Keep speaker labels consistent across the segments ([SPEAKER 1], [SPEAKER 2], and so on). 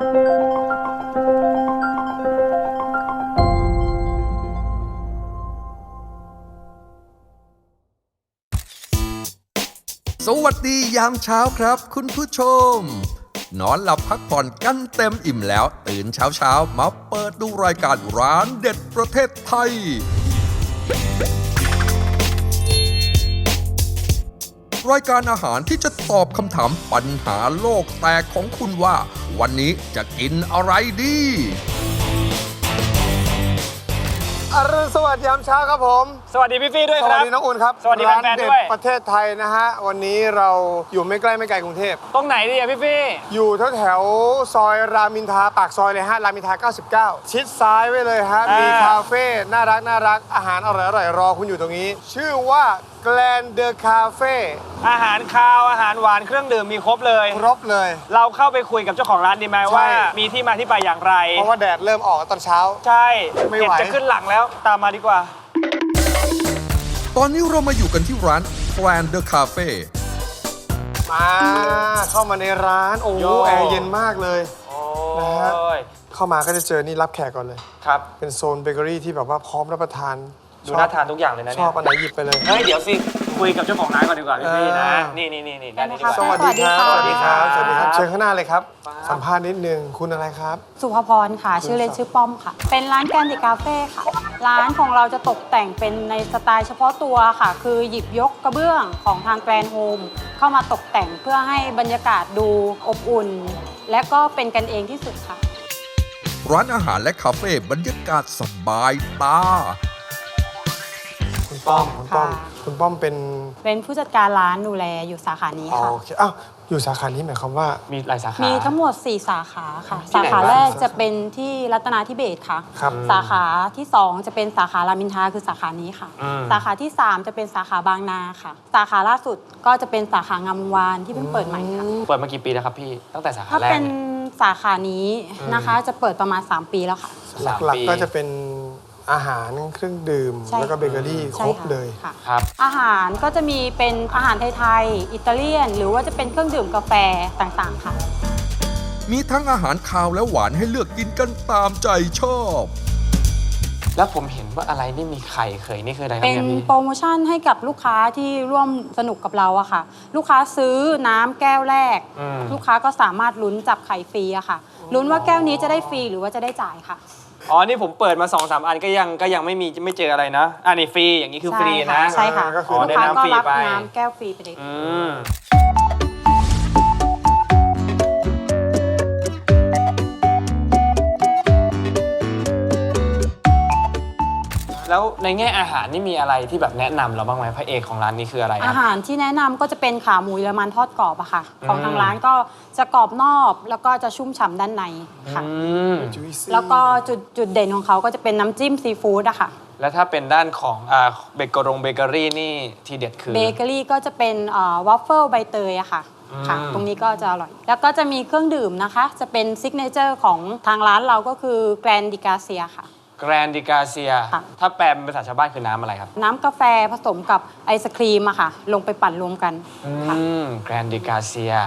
[SPEAKER 1] สวัสดียามเช้าครับคุณผู้ชมนอนหลับพักผ่อนกันเต็มอิ่มแล้วตื่นเช้ามาเปิดดูรายการร้านเด็ดประเทศไทยรายการอาหารที่จะตอบคำถามปัญหาโลกแตกของคุณว่าวันนี้จะกินอะไรดี
[SPEAKER 2] อรุณสวัสดิ์ยามเช้าครับผม
[SPEAKER 3] สวัสดีพี่ฟี่ด้วยครับ
[SPEAKER 2] สวัสดีน้องอุ่นครับ
[SPEAKER 3] สวัสดีแฟนๆด้วย
[SPEAKER 2] ประเทศไทยนะฮะวันนี้เราอยู่ไม่ใกล้ไม่ไกลกรุงเทพ
[SPEAKER 3] ตรงไหนดีอะพี่ฟี่
[SPEAKER 2] อยู่แถวซอยรามอินทราปากซอยเลยฮะรามอินทรา99ชิดซ้ายไว้เลยฮะมีคาเฟ่น่ารักอาหารอร่อยรอคุณอยู่ตรงนี้ ชื่อว่าแกลนเดอะคาเฟ่
[SPEAKER 3] อาหารคาวอาหารหวานเครื่องดื่มมีครบเลยเราเข้าไปคุยกับเจ้าของร้านดีไหมว่ามีที่มาที่ไปอย่างไร
[SPEAKER 2] เพราะว่าแดดเริ่มออกตอนเช้า
[SPEAKER 3] ใช่
[SPEAKER 2] ไม่ไหว
[SPEAKER 3] จะขึ้นหลังแล้วตามมาดีกว่า
[SPEAKER 1] ตอนนี้เรามาอยู่กันที่ร้าน Grand The Cafe
[SPEAKER 2] มาเข้ามาในร้านโอ้แอร์เย็นมากเลยนะฮะเข้ามาก็จะเจอนี่รับแขกก่อนเลย
[SPEAKER 3] ครับ
[SPEAKER 2] เป็นโซนเบเกอรี่ที่แบบว่าพร้อมรับประทาน
[SPEAKER 3] ดูน่าทานทุกอย่างเลยนะ
[SPEAKER 2] ชอบอันไหนหยิบไปเลย
[SPEAKER 3] เฮ้ยเดี๋ยวสิคุยกับเจ้าของร้านก่อนดีกว่าพี่นะนี่ด้านนี้ดีกว่า
[SPEAKER 2] สวัสดีครับสวัสดีครับเชิญข้างหน้าเลยครับสัมภาษณ์นิดนึงคุณอะไรครับ
[SPEAKER 4] สุภพรค่ะชื่อเล่นชื่อป้อมค่ะเป็นร้านแกนดิคาเฟ่ค่ะร้านของเราจะตกแต่งเป็นในสไตล์เฉพาะตัวค่ะคือหยิบยกกระเบื้องของทางแกรนด์โฮมเข้ามาตกแต่งเพื่อให้บรรยากาศดูอบอุ่นและก็เป็นกันเองที่สุดค่ะ
[SPEAKER 1] ร้านอาหารและคาเฟ่บรรยากาศสบายตา
[SPEAKER 2] คุณป้อม
[SPEAKER 4] เป็นผู้จัดการร้านดูแลอยู่สาขานี้ค่ะ
[SPEAKER 2] โอเคอ้าวอยู่สาขานี้หมายความว่า
[SPEAKER 3] มีหลายสาขา
[SPEAKER 4] มีทั้งหมด4สาขาค่ะสาขาแรกจะเป็นที่รัตนาธิเบศรค่ะสาขาที่2จะเป็นสาขารามอินทราคือสาขานี้ค่ะสาขาที่3จะเป็นสาขาบางนาค่ะสาขาล่าสุดก็จะเป็นสาขางามวงวานที่เพิ่งเปิดใหม่ค่ะ
[SPEAKER 3] เปิดมากี่ปีแล้วครับพี่ตั้งแต่สาขาแรก
[SPEAKER 4] ถ้าเป็นสาขานี้นะคะจะเปิดประมาณ3ปีแล้วค่ะ
[SPEAKER 2] หลักๆก็จะเป็นอาหารเครื่องดื่มแล้วก็เบเกอรี่ครบเลย
[SPEAKER 4] ครับอาหารก็จะมีเป็นอาหารไทยๆอิตาเลียนหรือว่าจะเป็นเครื่องดื่มกาแฟต่างๆค่ะ
[SPEAKER 1] มีทั้งอาหารคาวและหวานให้เลือกกินกันตามใจชอบ
[SPEAKER 3] แล้วผมเห็นว่าอะไรนี่มีไข่เคยนี่คืออะไรครับ
[SPEAKER 4] เป็นโปรโมชั่นให้กับลูกค้าที่ร่วมสนุกกับเราอะค่ะลูกค้าซื้อน้ำแก้วแรกลูกค้าก็สามารถลุ้นจับไข่ฟรีอะค่ะลุ้นว่าแก้วนี้จะได้ฟรีหรือว่าจะได้จ่ายค่ะ
[SPEAKER 3] อ๋อนี่ผมเปิดมา 2-3 อันก็ยังไม่เจออะไรนะอันนี้ฟรีอย่างนี้คือฟรีนะ
[SPEAKER 4] ใช่ค่ะลูกค้าก็รับน้ำแก้วฟรีไปเลย
[SPEAKER 3] แล้วในแง่อาหารนี่มีอะไรที่แบบแนะนำเราบ้างไหมพระเอกของร้านนี้คืออะไร
[SPEAKER 4] อาหารที่แนะนำก็จะเป็นขาหมูเยอรมันทอดกรอบอะค่ะของทางร้านก็จะกรอบนอกแล้วก็จะชุ่มฉ่ำด้านในค่ะแล้วก็จุดเด่นของเขาก็จะเป็นน้ำจิ้มซีฟู้ดอะค่ะ
[SPEAKER 3] แล้วถ้าเป็นด้านของเบเกอรี่นี่ทีเด็ดคือ
[SPEAKER 4] เบเกอรี่ก็จะเป็นวอฟเฟิลใบเตยอะค่ะตรงนี้ก็จะอร่อยแล้วก็จะมีเครื่องดื่มนะคะจะเป็นซิกเนเจอร์ของทางร้านเราก็คือแกรนดิกาเซียค่ะ
[SPEAKER 3] แกรนดิกาเซียถ้าแปลเป็นภาษาชาวบ้านคือน้ำอะไรครับ
[SPEAKER 4] น้ำกาแฟผสมกับไอศครีมอะค่ะลงไปปั่นรวมกัน
[SPEAKER 3] แกรนดิกาเซีย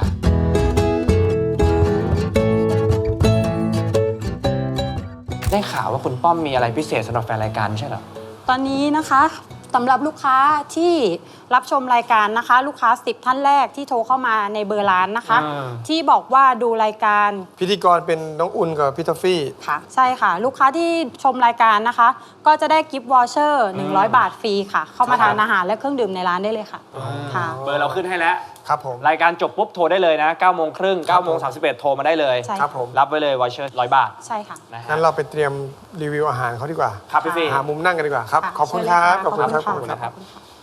[SPEAKER 3] ได้ข่าวว่าคุณป้อมมีอะไรพิเศษสำหรับแฟนรายการใช่เหรอ
[SPEAKER 4] ตอนนี้นะคะสำหรับลูกค้าที่รับชมรายการนะคะลูกค้า10ท่านแรกที่โทรเข้ามาในเบอร์ร้านนะคะที่บอกว่าดูรายการ
[SPEAKER 2] พิธีกรเป็นน้องอุ่นกับพี่ทอฟฟี่
[SPEAKER 4] ค่ะใช่ค่ะลูกค้าที่ชมรายการนะคะก็จะได้กิฟต์วอเชอร์100 บาทฟรีค่ะเข้ามาทานอาหารและเครื่องดื่มในร้านได้เลยค่ะ
[SPEAKER 3] เบอร์เราขึ้นให้แล้ว
[SPEAKER 2] ครับผม
[SPEAKER 3] รายการจบปุ๊บโทรได้เลยนะ 9:30 น. 9:31 โทรมาได้เลย
[SPEAKER 2] ครับผม
[SPEAKER 3] รับไว้เลยวอเชอร์100 บาท
[SPEAKER 4] ใช่ค่ะ
[SPEAKER 2] งั้นเราไปเตรียมรีวิวอาหารเขาดีกว่า
[SPEAKER 3] ครับพี่ฟี่
[SPEAKER 2] หามุมนั่งกันดีกว่าครับขอบคุณครับ
[SPEAKER 3] ขอบคุณครับ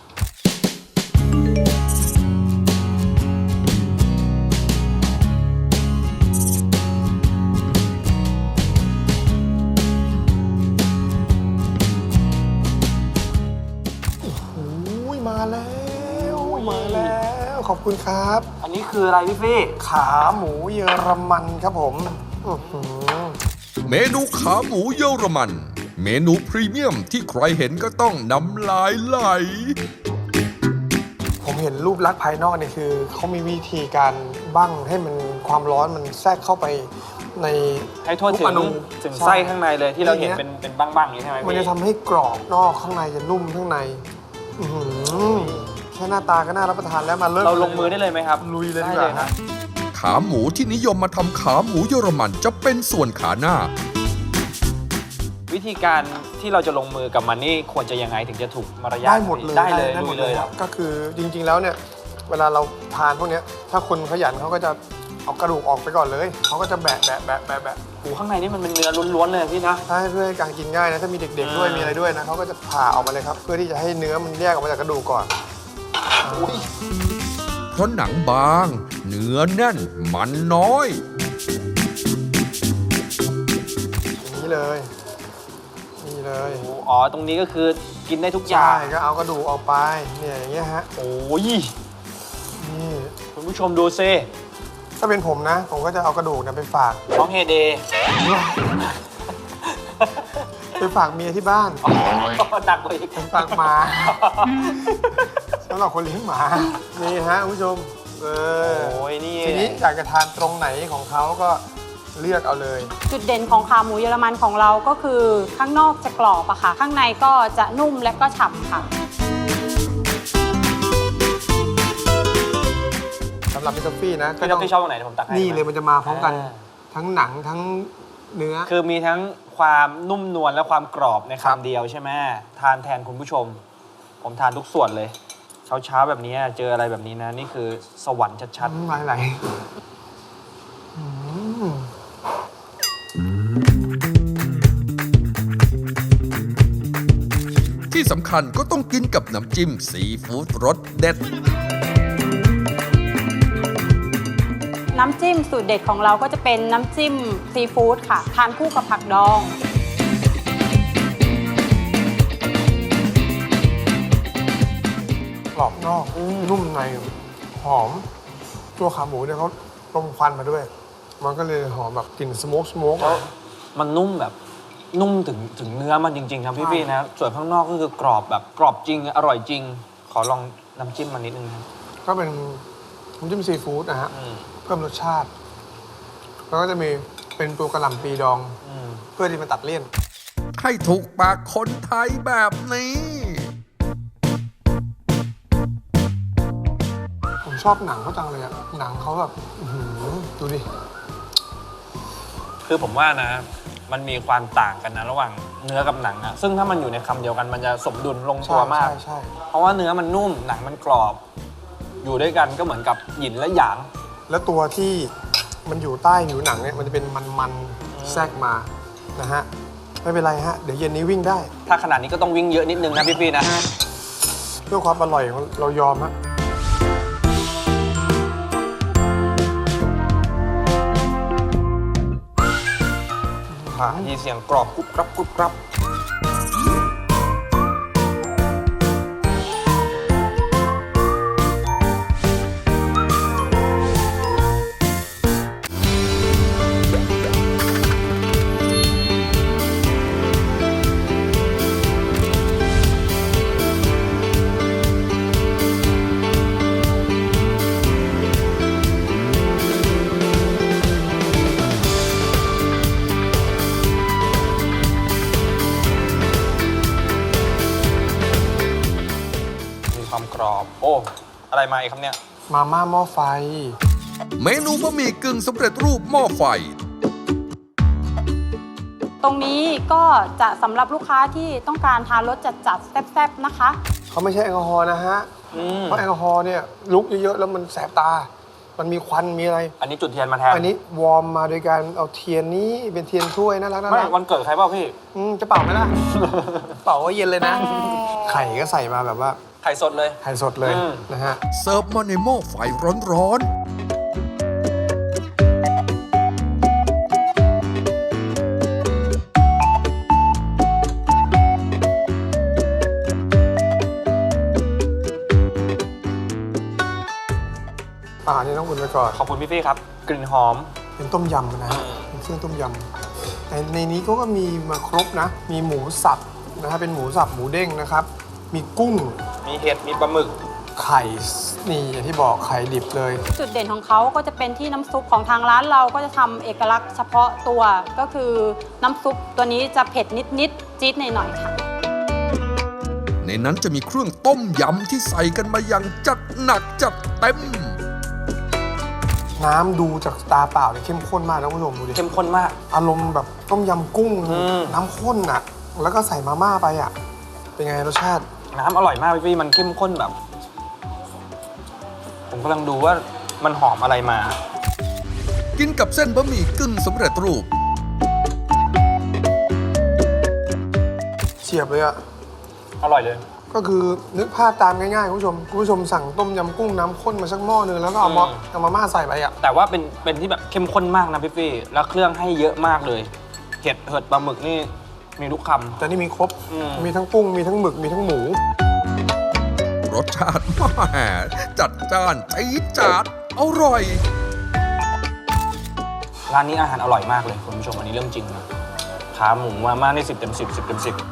[SPEAKER 2] มาแล้วขอบคุณครับ
[SPEAKER 3] อันนี้คืออะไรพี่ฟี่
[SPEAKER 2] ขาหมูเยอรมันครับผม
[SPEAKER 1] เมนูขาหมูเยอรมันเมนูพรีเมียมที่ใครเห็นก็ต้องน้ำลายไหล
[SPEAKER 2] ผมเห็นรูปลักษณ์ภายนอกเนี่ยคือเขามีวิธีการบั้งให้มันความร้อนมันแทรกเข้าไปใน
[SPEAKER 3] ให้ทั่วถึ
[SPEAKER 2] ทุกอง นุ
[SPEAKER 3] ถึงไส้ข้างในเลยที่เราเห็นเป็นบ้างๆอย่างนี้ใช่ไหม
[SPEAKER 2] มัน
[SPEAKER 3] พี่
[SPEAKER 2] จะทำให้กรอบนอกข้างในจะนุ่มข้างในอื้อหือแค่หน้าตาก็น่ารับประทานแล้วมาเริ่ม
[SPEAKER 3] เราลงมือได้เลยไหมครับ
[SPEAKER 2] ลุยเลยดีก
[SPEAKER 3] ได้
[SPEAKER 2] ว่า
[SPEAKER 3] ฮะ
[SPEAKER 1] ขาหมูที่นิยมมาทำขาหมูเยอรมันจะเป็นส่วนขาหน้า
[SPEAKER 3] วิธีการที่เราจะลงมือกับมันนี่ควรจะยังไงถึงจะถูกมารยาท
[SPEAKER 2] ได้หมดเลย
[SPEAKER 3] ได้เลย
[SPEAKER 2] ได้หม
[SPEAKER 3] ลุ
[SPEAKER 2] ด
[SPEAKER 3] ย
[SPEAKER 2] เล
[SPEAKER 3] เลย ย
[SPEAKER 2] ค
[SPEAKER 3] ค
[SPEAKER 2] รั
[SPEAKER 3] รั
[SPEAKER 2] บบ ก็คือจริงๆแล้วเนี่ยเวลาเราทานพวกเนี้ยถ้าคนขยันเขาก็จะเอากระดูกออกไปก่อนเลยเขาก็จะแบะ
[SPEAKER 3] โอ้ข้างในนี่มันเป็นเนื้อล้วนๆเลยพี่นะ
[SPEAKER 2] ถ้าให้เพื่อให้การกินง่ายนะถ้ามีเด็กๆด้วย
[SPEAKER 3] อ่ามี
[SPEAKER 2] มีอะไรด้วยนะเขาก็จะผ่าออกมาเลยครับ เพื่อที่จะให้เนื้อมันแยกออกมาจากกระดูกก่อน
[SPEAKER 1] เพราะหนังบาง เนื้อแน่น มันน้อย
[SPEAKER 2] อย่างนี้เลยนี่เลย
[SPEAKER 3] อ๋อตรงนี้ก็คือกินได้ทุกอย่า
[SPEAKER 2] ใช่
[SPEAKER 3] ง
[SPEAKER 2] ก็เอากระดูกออกไปเนี่ยอย่างเงี้ยฮะ
[SPEAKER 3] โอ้ย
[SPEAKER 2] นี่
[SPEAKER 3] คุณผู้ชมดูซิ
[SPEAKER 2] ถ้าเป็นผมนะ ผมก็จะเอากระดูกเนี่ยไปฝาก
[SPEAKER 3] น้องเฮเดย์
[SPEAKER 2] ไปฝากเมียที่บ้าน
[SPEAKER 3] หนักกว่าอีก
[SPEAKER 2] ฝากหมาสำหรับคนเลี้ยงหมานี่ฮะคุณผู้ชมเออ
[SPEAKER 3] โอ้ยนี่
[SPEAKER 2] ทีนี้อยากจะทานตรงไหนของเขาก็เลือกเอาเลย
[SPEAKER 4] จุดเด่นของขาหมูเยอรมันของเราก็คือข้างนอกจะกรอบอะค่ะ ข้างในก็จะนุ่มและก็ฉ่ำค่ะ
[SPEAKER 2] สำหรับพี่ท็อฟฟี่นะ
[SPEAKER 3] พี่ท็อปพี่ชอบตรงไหนเดี๋ยวผมตักให้
[SPEAKER 2] นี่เลยมันจะมาพร้อมกัน
[SPEAKER 3] อ่า
[SPEAKER 2] ทั้งหนังทั้งเนื้อ
[SPEAKER 3] คือมีทั้งความนุ่มนวลและความกรอบใน
[SPEAKER 2] ครับ
[SPEAKER 3] คำเดียวใช่ไหมทานแทนคุณผู้ชม ผมทานทุกส่วนเลย เช้าๆแบบนี้เจออะไรแบบนี้นะ นี่คือสวรรค์ชัด
[SPEAKER 2] ไหลอืม
[SPEAKER 1] ที่สำคัญก็ต้องกินกับน้ำจิ้มซีฟู้ดรสเด็ด
[SPEAKER 4] น้ำจิ้มสูตรเด็ดของเราก็จะเป็นน้ำจิ้มซีฟู้ดค่ะ ทานคู่กับผักดอง
[SPEAKER 2] กรอบนอกนุ่มในหอม ตัวขาหมูเนี่ยเขาลมควันมาด้วย มันก็เลยหอมแบบกลิ่นสโมก
[SPEAKER 3] ๆแล้วมันนุ่มแบบนุ่มถึงเนื้อมันจริงๆครับพี่ๆนะ ส่วนข้างนอกก็คือกรอบแบบกรอบจริง อร่อยจริง ขอลองน้ำจิ้มมานิดนึงนะ
[SPEAKER 2] ก็เป็นน้ำจิ้มซีฟู้ดนะฮะ
[SPEAKER 3] อืม
[SPEAKER 2] เพิ่มรสชาติ แล้วก็จะมีเป็นตัวกระหล่ำปีดอง
[SPEAKER 3] อืม
[SPEAKER 2] เพื่อที่มันตัดเลี่ยน
[SPEAKER 1] ให้ถูกปากคนไทยแบบนี้
[SPEAKER 2] ผมชอบหนังเขาจังเลยอะหนังเขาแบบอื้อหือดูดิ
[SPEAKER 3] คือผมว่านะ มันมีความต่างกันนะระหว่างเนื้อกับหนังอะซึ่งถ้ามันอยู่ในคำเดียวกันมันจะสมดุลลงตัวมาก
[SPEAKER 2] ใช่
[SPEAKER 3] เพราะว่าเนื้อมันนุ่มหนังมันกรอบ อยู่ด้วยกันก็เหมือนกับหยินและหยาง
[SPEAKER 2] แล้วตัวที่มันอยู่ใต้ผิวหนังเนี่ยมันจะเป็นมันๆแทรกมานะฮะไม่เป็นไรฮะเดี๋ยวเย็นนี้วิ่งได้
[SPEAKER 3] ถ้าขนาดนี้ก็ต้องวิ่งเยอะนิดนึงนะพี่ๆนะ
[SPEAKER 2] เพื่อความอร่อยของเรายอมฮะ
[SPEAKER 3] มีเสียงกรอบกรุบกรับกรุบกรับ มีความกรอบ โอ้ อะไรมาอีกครับเนี่ย
[SPEAKER 2] มาม่าหม้อไฟ
[SPEAKER 1] เมนูบะหมี่กึ่งสำเร็จรูปหม้อไฟ
[SPEAKER 4] ตรงนี้ก็จะสำหรับลูกค้าที่ต้องการทานรสจัดๆแซ่บๆนะคะ
[SPEAKER 2] เขาไม่ใช่แอลกอฮอล์นะฮะ เพราะแอลกอฮอล์เนี่ยลุกเยอะๆ แล้วมันแสบตา มันมีควันมีอะไร
[SPEAKER 3] อันนี้จุดเทียนมาแทน
[SPEAKER 2] อันนี้วอร์มมาโดยการเอาเทียนนี้เป็นเทียนถ้วยน่ารัก
[SPEAKER 3] ไม่วันเกิดใครเปล่าพี่
[SPEAKER 2] จะเป่าไหมล่ะ เป่าก็เย็นเลยนะ ไข่ก็ใส่มาแบบว่า
[SPEAKER 3] ไข่สดเลย
[SPEAKER 2] ไข่สดเลย
[SPEAKER 3] อืม
[SPEAKER 2] นะฮะ
[SPEAKER 1] เสิร์ฟมาในหม้อไฟร้อนๆ
[SPEAKER 2] อันนี้ต้องอุ่นไปก่อน
[SPEAKER 3] ขอบคุณพี่ๆครับ กลิ่นหอม
[SPEAKER 2] เป็นต้มยำนะฮะเป็นเครื่องต้มยำในนี้ก็มีมาครบนะ มีหมูสับนะฮะเป็นหมูสับหมูเด้งนะครับ มีกุ้ง
[SPEAKER 3] มีเห็ด มีปลาหมึก
[SPEAKER 2] ไข่นี่อย่างที่บอกไข่ดิบเลย
[SPEAKER 4] จุดเด่นของเขาก็จะเป็นที่น้ำซุปของทางร้านเราก็จะทำเอกลักษณ์เฉพาะตัวก็คือน้ำซุปตัวนี้จะเผ็ดนิดๆจี๊ดหน่อยๆค่ะ
[SPEAKER 1] ในนั้นจะมีเครื่องต้มยำที่ใส่กันมาอย่างจัดหนักจัดเต็ม
[SPEAKER 2] น้ำดูจากตาเปล่าเนี่ยเข้มข้นมากนะคุณผู้ชมดูดิ
[SPEAKER 3] เข้มข้นมาก
[SPEAKER 2] อารมณ์แบบต้มยำกุ้ง น้ำข้นอ่ะ แล้วก็ใส่มาม่าไปอ่ะ เป็นไงรสชาติ
[SPEAKER 3] น้ำอร่อยมากพี่มันเข้มข้นแบบ ผมกำลังดูว่ามันหอมอะไรมา
[SPEAKER 1] กินกับเส้นบะหมี่กึ่งสำเร็จรูป
[SPEAKER 2] เฉียบเลยอ่ะ
[SPEAKER 3] อร่อยเลย
[SPEAKER 2] ก็คือนึกภาพตามง่ายๆคุณผู้ชมสั่งต้มยำกุ้งน้ำข้นมาสักหม้อนึงแล้วก็เอามาม่าใส่ไปอ่ะ
[SPEAKER 3] แต่ว่าเป็นที่แบบเข้มข้นมากนะพี่ฟี่แล้วเครื่องให้เยอะมากเลยเห็ดปลาหมึกนี่มีทุกคำ
[SPEAKER 2] แต่นี่มีครบ
[SPEAKER 3] อืม
[SPEAKER 2] มีทั้งกุ้งมีทั้งหมึกมีทั้งหมู
[SPEAKER 1] รสชาติแหม่จัดจ้านจี๊ดจ๊าดอร่อย
[SPEAKER 3] ร้านนี้อาหารอร่อยมากเลยคุณผู้ชมอันนี้เรื่องจริงนะขาหมูมาม่านี่10 เต็ม 10 10 เต็ม 10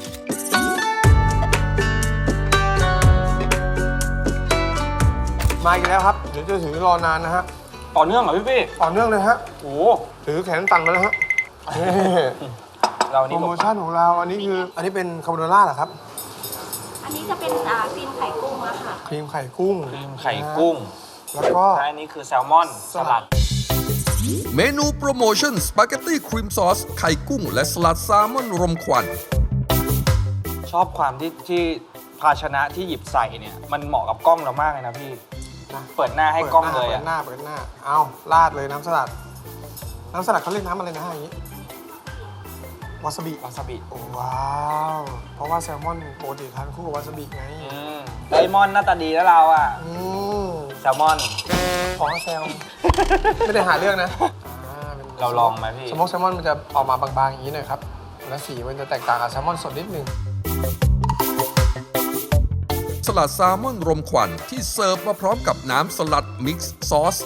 [SPEAKER 2] มาอีกแล้วครับ เดี๋ยวจะถือรอนานนะฮะ
[SPEAKER 3] ต่อเนื่องเหรอพี่ฟี่
[SPEAKER 2] ต่อเนื่องเลยฮะ
[SPEAKER 3] โอ้
[SPEAKER 2] ถือแขนตันมาแล้วฮะนี่
[SPEAKER 3] เรา
[SPEAKER 2] โป
[SPEAKER 3] นี่
[SPEAKER 2] รโมชั่นของเราอันนี้คืออันนี้เป็นคาโบนาร่าเหรอครับ
[SPEAKER 5] อันนี้จะเป็นครีมไข่กุ้งอะค่ะ
[SPEAKER 2] ครีมไข่กุ้ง
[SPEAKER 3] ครีมไข่กุ้ง
[SPEAKER 2] แล้วก็
[SPEAKER 3] และอันนี้คือแซลมอนสลัด
[SPEAKER 1] เมนูโปรโมชั่นสปาเกตตี้ครีมซอสไข่กุ้ง และสลัดแซลมอนรมควัน
[SPEAKER 3] ชอบความที่ภาชนะที่หยิบใส่เนี่ย มันเหมาะกับกล้องเรามากเลยนะพี่
[SPEAKER 2] นะ
[SPEAKER 3] เปิดหน้าให้กล้องเลย
[SPEAKER 2] เปิ
[SPEAKER 3] อะ
[SPEAKER 2] ดหน้าเอาราดเลยน้ำสลัด น้ำสลัดเขาเรียกน้ำอะไรนะฮะอย่างนี้ วาซาบิ
[SPEAKER 3] วาซาบิ
[SPEAKER 2] โอ้ว้าว เพราะว่าแซลมอนปกติทานคู่กับวาซาบิไง
[SPEAKER 3] ไดมอนด์หน้าตาดีแล้วเราอะ
[SPEAKER 2] อืม
[SPEAKER 3] แซลมอน
[SPEAKER 2] ขอแซล ไม่ได้หาเรื่องนะป็น
[SPEAKER 3] เราลองไหมพี่
[SPEAKER 2] สโมกแซลมอนมันจะออกมาบางๆอย่างนี้หน่อยครับ และสีมันจะแตกต่างกับแซลมอนสดนิดนึง
[SPEAKER 1] สลัดแซลมอนรมควันที่เสิร์ฟมาพร้อมกับน้ำสลัดมิกซ์ซอส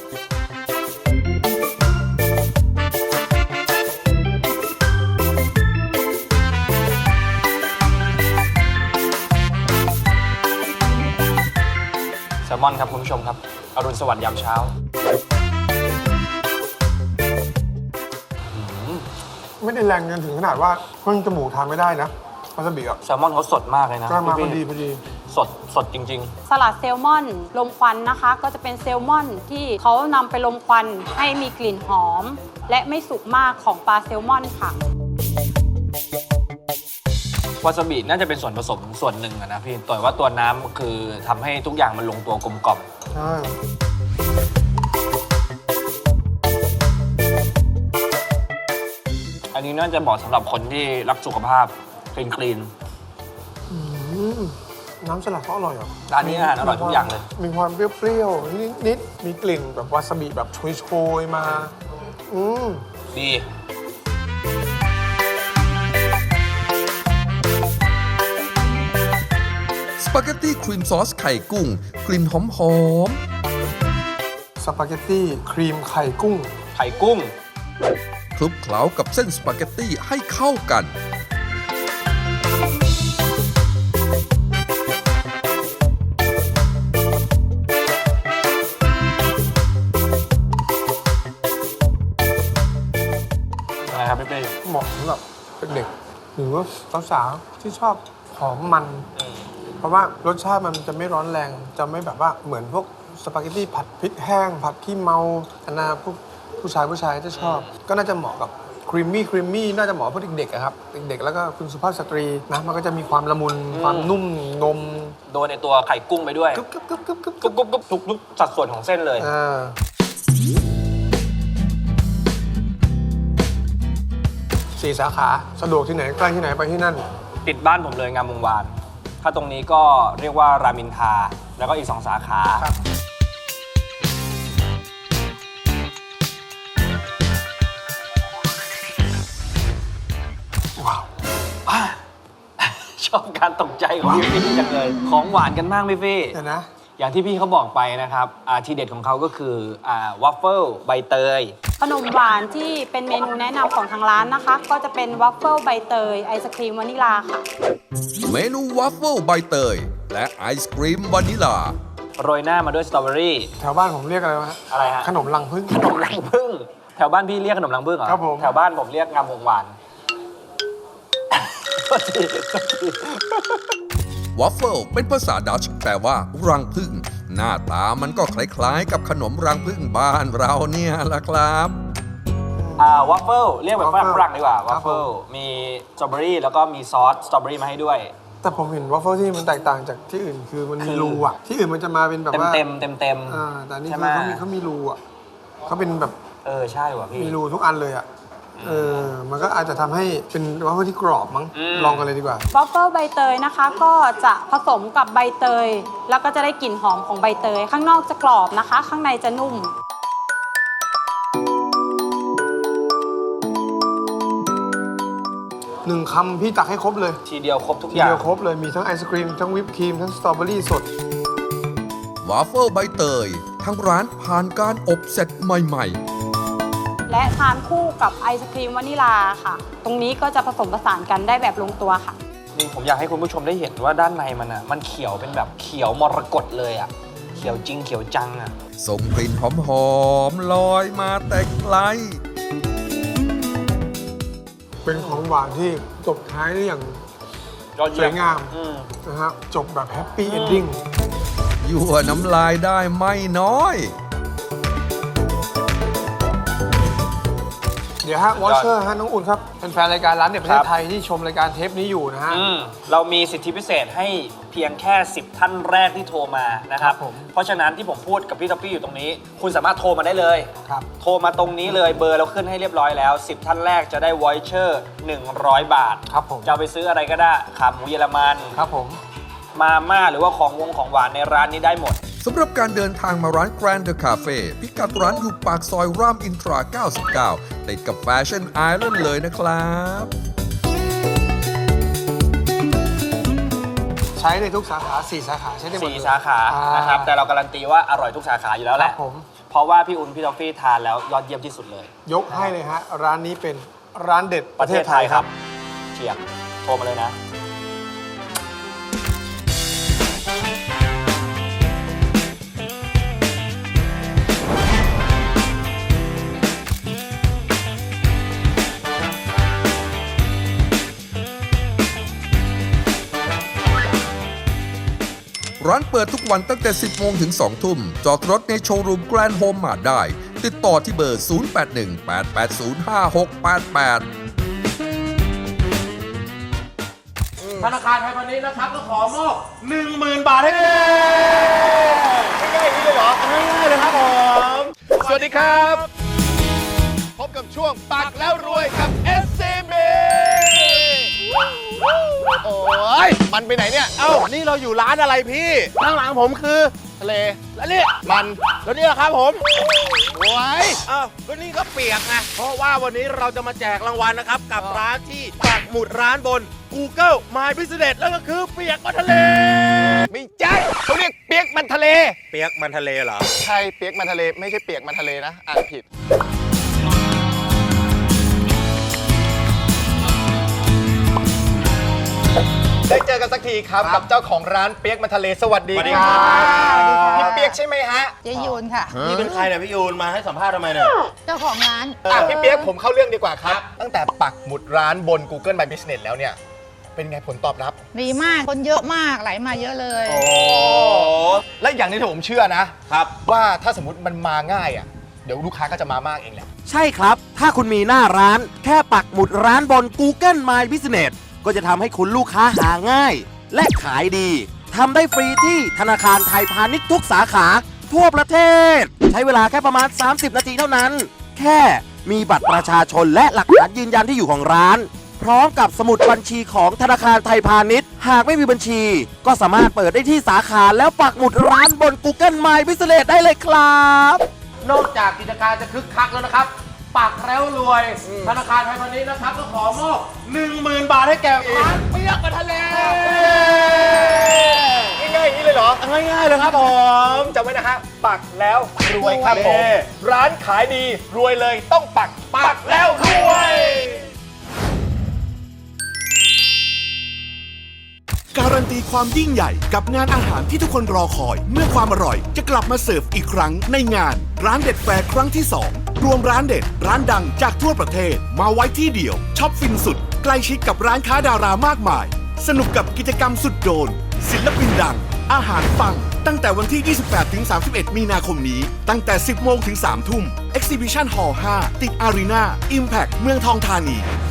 [SPEAKER 3] แซลมอนครับคุณผู้ชมครับอรุณสวัสดิ์ยามเช้า
[SPEAKER 2] ไม่ได้แรงจนถึงขนาดว่าเพิ่งจมูกทานไม่ได้นะวาซาบิอ่ะ
[SPEAKER 3] แซลมอนเขาสดมากเลยนะ
[SPEAKER 2] ก็มาพอ
[SPEAKER 3] พี่
[SPEAKER 2] ดีพอดี
[SPEAKER 3] สดจริง
[SPEAKER 4] สลัดแซลมอนลมควันนะคะ ก็จะเป็นแซลมอนที่เขานำไปลมควันให้มีกลิ่นหอม และไม่สุกมากของปลาแซลมอนค่ะ
[SPEAKER 3] ๆ วาซาบิน่าจะเป็นส่วนผสมส่วนหนึ่งอะนะพี่แต่ว่าตัวน้ำคือทำให้ทุกอย่างมันลงตัวกลมกล่อม
[SPEAKER 2] ใช่
[SPEAKER 3] อันนี้น่าจะเหมาะสำหรับคนที่รักสุขภาพคลีน
[SPEAKER 2] อืมน้ำสลัดเขาอร่อยเหรอ
[SPEAKER 3] ร้านนี้อาหารอร่อยทุกอย่างเลย
[SPEAKER 2] มีความเปรี้ยวๆนิดๆมีกลิ่นแบบวาซาบิแบบโชยๆมา อืม
[SPEAKER 3] ดี
[SPEAKER 1] สปาเกตตี้ครีมซอสไข่กุ้ง กลิ่นหอม
[SPEAKER 2] สปาเกตตี้ครีมไข่กุ้ง
[SPEAKER 3] ไข่กุ้ง
[SPEAKER 1] ๆคลุกเคล้ากับเส้นสปาเกตตี้ให้เข้ากัน
[SPEAKER 3] อะไรครับพี่เป้
[SPEAKER 2] เหมาะสำหรับเด็กๆหรือว่าสาวๆที่ชอบหอมมัน เพราะว่ารสชาติมันจะไม่ร้อนแรง จะไม่แบบว่าเหมือนพวกสปาเกตตี้ผัดพริกแห้ง ผัดขี้เมาอันน่าพวกผู้ชายจะชอบ ก็น่าจะเหมาะกับครีมมี่น่าจะเหมาะกับพวกเด็กๆอะครับ เด็กๆแล้วก็คุณสุภาพสตรีนะมันก็จะมีความละมุนความนุ่มนม
[SPEAKER 3] โดนในตัวไข่กุ้งไปด้วย
[SPEAKER 2] กึ๊บกึ๊บกึ๊บกึ๊บกึ๊บ
[SPEAKER 3] กรุบทุกสัดส่วนของเส้นเลย
[SPEAKER 2] สี่สาขาสะดวกที่ไหนใกล้ที่ไหนไปที่นั่น
[SPEAKER 3] ติดบ้านผมเลยงามวงวาน ถ้าตรงนี้ก็เรียกว่ารามอินทราแล้วก็อีก2 สาขา
[SPEAKER 2] ครับ ว้าว
[SPEAKER 3] ชอบการตกใจของพี่ฟี่จังเลย ของหวานกันมากพี่ฟี่
[SPEAKER 2] เดี๋ยวนะ
[SPEAKER 3] อย่างที่พี่เขาบอกไปนะครับทีเด็ดของเขาก็คือวัฟเฟิลใบเตย
[SPEAKER 4] ขนมหวานที่เป็นเมนูแนะนำของทางร้านนะคะ ก็จะเป็นวัฟเฟิลใบเตยไอศครีมวานิลาค่ะ
[SPEAKER 1] เมนูวัฟเฟิลใบเตย และไอศกรีมวานิลา
[SPEAKER 3] โรยหน้ามาด้วยสตรอเบอรี่
[SPEAKER 2] แถวบ้านผมเรียกอะไรวะ
[SPEAKER 3] อะไรฮะ
[SPEAKER 2] ขนมรังผึ้ง
[SPEAKER 3] ขนมรังผึ้งแถวบ้านพี่เรียกขนมรังผึ้งเหรอ
[SPEAKER 2] ครับผม
[SPEAKER 3] แถวบ้านผมเรียกงามวงวาน
[SPEAKER 1] วอฟเฟิลเป็นภาษาดัตช์แปลว่ารังผึ้งหน้าตามันก็คล้ายๆกับขนมรังผึ้งบ้านเราเนี่ยละครับ
[SPEAKER 3] วอฟเฟิลเรียกแบบฝรั่ง
[SPEAKER 2] waffle
[SPEAKER 3] ฝรั่งดีกว่าวอฟเฟิล
[SPEAKER 2] ครับผม
[SPEAKER 3] มีสตรอเบอรี่แล้วก็มีซอสสตรอเบอรี่มาให้ด้วย
[SPEAKER 2] แต่ผมเห็นวอฟเฟิลที่มันแตกต่างจากที่อื่นคือมัน
[SPEAKER 3] คื
[SPEAKER 2] มี
[SPEAKER 3] อ
[SPEAKER 2] รูอ่ะที่อื่นมันจะมาเป็นแบบว่า
[SPEAKER 3] เต็ม
[SPEAKER 2] แต่อันนี่
[SPEAKER 3] ใช่
[SPEAKER 2] คื
[SPEAKER 3] ไหม
[SPEAKER 2] อเขามีรูอ่ะเขาเป็นแบบ
[SPEAKER 3] ใช่ว่ะพี่
[SPEAKER 2] มีรูทุกอันเลยอ่ะมันก็อาจจะทำให้เป็นวอฟเฟิลที่กรอบมั้ง
[SPEAKER 3] อืม
[SPEAKER 2] ลองกันเลยดีกว่า
[SPEAKER 4] วอฟเฟิลใบเตยนะคะก็จะผสมกับใบเตย แล้วก็จะได้กลิ่นหอมของใบเตย ข้างนอกจะกรอบนะคะ ข้างในจะนุ่ม
[SPEAKER 2] หนึ่งคำพี่ตักให้ครบเลย
[SPEAKER 3] ทีเดียวครบทุก
[SPEAKER 2] ที
[SPEAKER 3] อย่าง
[SPEAKER 2] เดียวครบเลยมีทั้งไอศครีมทั้งวิปครีมทั้งสตรอเบอรี่สด
[SPEAKER 1] วาฟเฟิลใบเตยทางร้านผ่านการอบเสร็จใหม่ๆ
[SPEAKER 4] และทานคู่กับไอศครีมวานิลาค่ะ ตรงนี้ก็จะผสมผสานกันได้แบบลงตัวค่ะ
[SPEAKER 3] นี่ผมอยากให้คุณผู้ชมได้เห็นว่าด้านในมันเขียวเป็นแบบเขียวมรกตเลยอ่ะ เขียวจริงเขียวจังอ่ะ
[SPEAKER 1] ส่งกลิ่นหอมๆลอยมาแต่ไกล
[SPEAKER 2] เป็นของหวานที่จบท้ายได้อย่าง
[SPEAKER 3] ยอด
[SPEAKER 2] ส
[SPEAKER 3] เยี่
[SPEAKER 2] วย ยงาม
[SPEAKER 3] อืม
[SPEAKER 2] นะครับจบแบบแฮปปี้เอนดิ้ง
[SPEAKER 1] ยั่วน้ำลายได้ไม่น้อย
[SPEAKER 2] เดี๋ยวฮะวอชเชอร์ฮะน้องอุ่นครับเป็นแฟนรายการร้านเด็ดประเท
[SPEAKER 3] ครั
[SPEAKER 2] ศ
[SPEAKER 3] บ
[SPEAKER 2] ไทยที่ชมรายการเทปนี้อยู่นะฮะ
[SPEAKER 3] เรามีสิทธิพิเศษให้เพียงแค่ 10 ท่านแรกที่โทรมานะครับ
[SPEAKER 2] ครับผม
[SPEAKER 3] เพราะฉะนั้นที่ผมพูดกับพี่ท็อปปี้อยู่ตรงนี้ คุณสามารถโทรมาได้เลย
[SPEAKER 2] ครับ
[SPEAKER 3] โทรมาตรงนี้เลยเบอร์เราขึ้นให้เรียบร้อยแล้ว 10 ท่านแรกจะได้วอยเชอร์100 บาท
[SPEAKER 2] ครับผม
[SPEAKER 3] จะเอาไปซื้ออะไรก็ได้ขาหมูเยอรมัน
[SPEAKER 2] ครับผม
[SPEAKER 3] มาม่าหรือว่าของหวานในร้านนี้ได้หมด
[SPEAKER 1] สำหรับการเดินทางมาร้าน Grand The Cafe พิกัดร้านอยู่ปากซอยรามอินทรา 99 ติดกับแฟชั่นไอแลนด์เลยนะครับ
[SPEAKER 2] ใช้ในทุกสาขา4สาขาใช้ได้หมดเลย
[SPEAKER 3] 4 สาขานะครับแต่เราการันตีว่าอร่อยทุกสาขาอยู่แล้วแหละ
[SPEAKER 2] ครับผม
[SPEAKER 3] เพราะว่าพี่อุ่นพี่ท็อฟฟี่ทานแล้วยอดเยี่ยมที่สุดเลย
[SPEAKER 2] ยกให้เลยฮะร้านนี้เป็นร้านเด็ด
[SPEAKER 3] ประเทศไทยครับเฉียบโทรมาเลยนะ
[SPEAKER 1] ร้านเปิดทุกวันตั้งแต่ 10 โมงถึง 2 ทุ่ม จอดรถในโชว์รูมแกรนด์โฮมมาได้ ติดต่อที่เบอร์ 0818805688
[SPEAKER 6] ธนาคารไทยพาณิชย์นะครับก็ขอมอบ 10,000 บาทให้เลยง่ายๆอย่างนี้เลยเหรอง่ายๆเลยครับผม สวัสดีครับ พบกับช่วงปักแล้วรวยกับ SCB โอ้ยมันไปไหนเนี่ย เอ้า นี่เราอยู่ร้านอะไรพี่ ข้างหลังผมคือทะเล แล้วนี่มัน แล้วนี่ล่ะครับผม โอ้ยอ้าวก็นี่ก็เปียกไง เพราะว่าวันนี้เราจะมาแจกรางวัลนะครับ กับร้านที่ปักหมุดร้านบน Google My Business แล้วก็คือเปียกมันทะเล ไม่ใช่เขาเรียกเปียกมันทะเล เปียกมันทะเลเหรอ ใช่เปียกมันทะเล ไม่ใช่เปียกมันทะเลนะ อ่านผิด ได้เจอกันสักทีครับกับเจ้าของร้านเปียกมันทะเลสวัสดีครับพี่เปียกใช่ไหมฮะ
[SPEAKER 7] เจยูนค่ะ
[SPEAKER 6] นี่เป็นใครเนี่ยพี่ยูนมาให้สัมภาษณ์ทำไมเนี่ย
[SPEAKER 7] เจ้าของร้าน
[SPEAKER 6] พี่เปียกผมเข้าเรื่องดีกว่าครับ ตั้งแต่ปักหมุดร้านบน Google My Business แล้วเนี่ย เป็นไงผลตอบรับ
[SPEAKER 7] ดีมาก คนเยอะมาก ไหลมาเยอะเลย
[SPEAKER 6] โอ้และอย่างนี้ที่ผมเชื่อนะครับว่าถ้าสมมติมันมาง่ายอ่ะเดี๋ยวลูกค้าก็จะมามากเองแหละ
[SPEAKER 8] ใช่ครับ ถ้าคุณมีหน้าร้าน แค่ปักหมุดร้านบน Google My Business ก็จะทำให้คุณลูกค้าหาง่าย และขายดี ทำได้ฟรีที่ธนาคารไทยพาณิชย์ทุกสาขา ทั่วประเทศ ใช้เวลาแค่ประมาณ 30 นาทีเท่านั้น แค่มีบัตรประชาชนและหลักฐานยืนยันที่อยู่ของร้าน พร้อมกับสมุดบัญชีของธนาคารไทยพาณิชย์ หากไม่มีบัญชี ก็สามารถเปิดได้ที่สาขาแล้วปักหมุดร้านบน Google My Business ได้เลยครับ
[SPEAKER 6] นอกจากกิจการจะคึกคักแล้วนะครับ ปักแล้วรวย ธนาคารไทยพาณิชย์นะครับก็ขอมอบ 10,000 บาทให้แก่ร้านเปียกมันทะเลง่ายๆอย่างนี้เลยเหรอ ง่ายๆเลยครับผมจำไว้นะฮะปักแล้วรวยครับผมร้านขายดีรวยเลยต้องปักแล้วรวย
[SPEAKER 9] การันตีความยิ่งใหญ่กับงานอาหารที่ทุกคนรอคอย เมื่อความอร่อยจะกลับมาเสิร์ฟอีกครั้งในงานร้านเด็ดแฟร์ครั้งที่ 2 รวมร้านเด็ดร้านดังจากทั่วประเทศมาไว้ที่เดียวช็อปฟินสุดใกล้ชิดกับร้านค้าดารามากมายสนุกกับกิจกรรมสุดโดนศิลปินดังอาหารปังตั้งแต่วันที่ 28-31 มีนาคมนี้ตั้งแต่ 10 โมงถึง 3 ทุ่ม Exhibition Hall 5 ติด Arena Impact เมืองทองธานี